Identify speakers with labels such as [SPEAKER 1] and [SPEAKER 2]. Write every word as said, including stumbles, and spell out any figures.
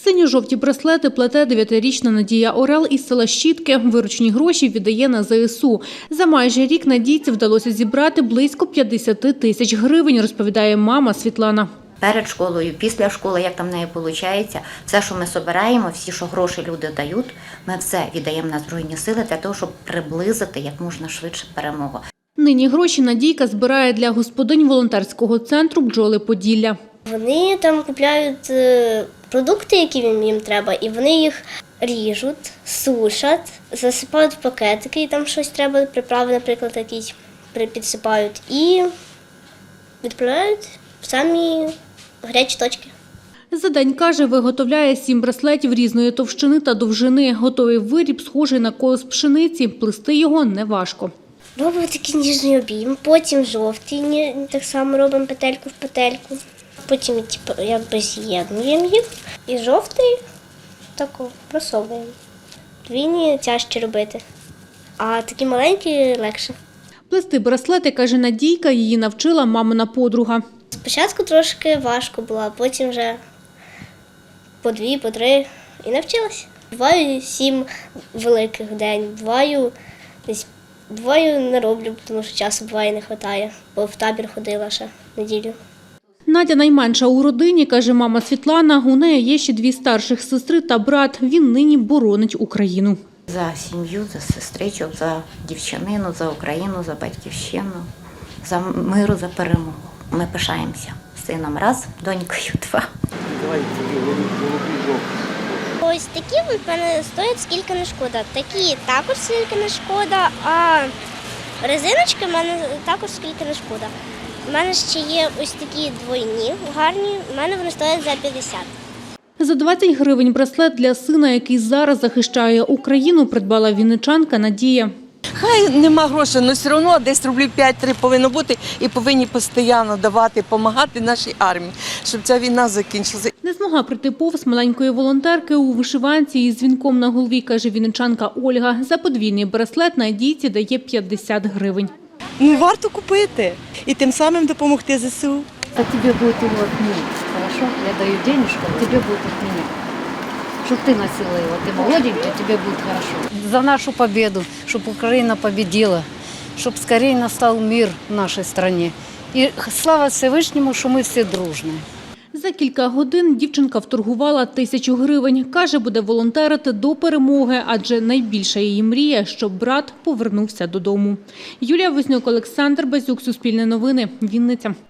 [SPEAKER 1] Синьо-жовті браслети плете дев'ятирічна Надія Орел із села Щітки. Виручені гроші віддає на зе ес у. За майже рік Надійці вдалося зібрати близько п'ятдесят тисяч гривень, розповідає мама Світлана.
[SPEAKER 2] Перед школою, після школи, як там в неї виходить, все, що ми збираємо, всі, що гроші люди дають, ми все віддаємо на Збройні Сили для того, щоб приблизити як можна швидше перемогу.
[SPEAKER 1] Нині гроші Надійка збирає для господинь волонтерського центру «Бджоли Поділля».
[SPEAKER 3] Вони там купляють продукти, які їм треба, і вони їх ріжуть, сушать, засипають в пакетики, і там щось треба, приправи, наприклад, якісь підсипають, і відправляють в самі гарячі точки.
[SPEAKER 1] За день, каже, виготовляє сім браслетів різної товщини та довжини. Готовий виріб схожий на колос пшениці. Плести його неважко.
[SPEAKER 3] Робимо такий ніжний обійм, потім жовтий, так само робимо петельку в петельку. Потім типу, якби з'єднуємо їх і жовтий тако просовуємо. Двійні тяжче робити, а такі маленькі легше.
[SPEAKER 1] Плести браслети, каже Надійка, її навчила мамина подруга.
[SPEAKER 3] Спочатку трошки важко було, а потім вже по дві, по три і навчилася. Буваю сім великих в день, буваю десь двоє не роблю, тому що часу буває не вистачає, бо в табір ходила ще неділю.
[SPEAKER 1] Надя найменша у родині, каже мама Світлана. У неї є ще дві старших сестри та брат. Він нині боронить Україну.
[SPEAKER 2] За сім'ю, за сестричок, за дівчинину, за Україну, за батьківщину, за миру, за перемогу. Ми пишаємося сином раз, донькою два.
[SPEAKER 3] Ось такі в мене стоять скільки не шкода. Такі також скільки не шкода, а резиночки в мене також скільки не шкода. У мене ще є ось такі двойні, гарні, у мене вони стоять за п'ятдесят.
[SPEAKER 1] За двадцять гривень браслет для сина, який зараз захищає Україну, придбала вінничанка Надія.
[SPEAKER 4] Хай нема грошей, але все одно десь рублів п'ять-три повинно бути і повинні постійно давати, допомагати нашій армії, щоб ця війна закінчилася.
[SPEAKER 1] Не змогла прийти повз маленької волонтерки у вишиванці із дзвінком на голові, каже вінничанка Ольга. За подвійний браслет Надійці дає п'ятдесят гривень.
[SPEAKER 4] Ну, варто купити і тим самим допомогти зе ес у.
[SPEAKER 5] А тебе будет его от меня, хорошо? Я даю денежку, а тебе будет от меня. Чтобы ты носила его, ты молоденький, тебе будет хорошо. За нашу победу, чтобы Украина победила, чтобы скорее настал мир в нашей стране. И слава Всевышнему, что мы все дружны.
[SPEAKER 1] За кілька годин дівчинка вторгувала тисячу гривень. Каже, буде волонтерити до перемоги, адже найбільша її мрія, щоб брат повернувся додому. Юлія Вознюк, Олександр Базюк, Суспільне новини, Вінниця.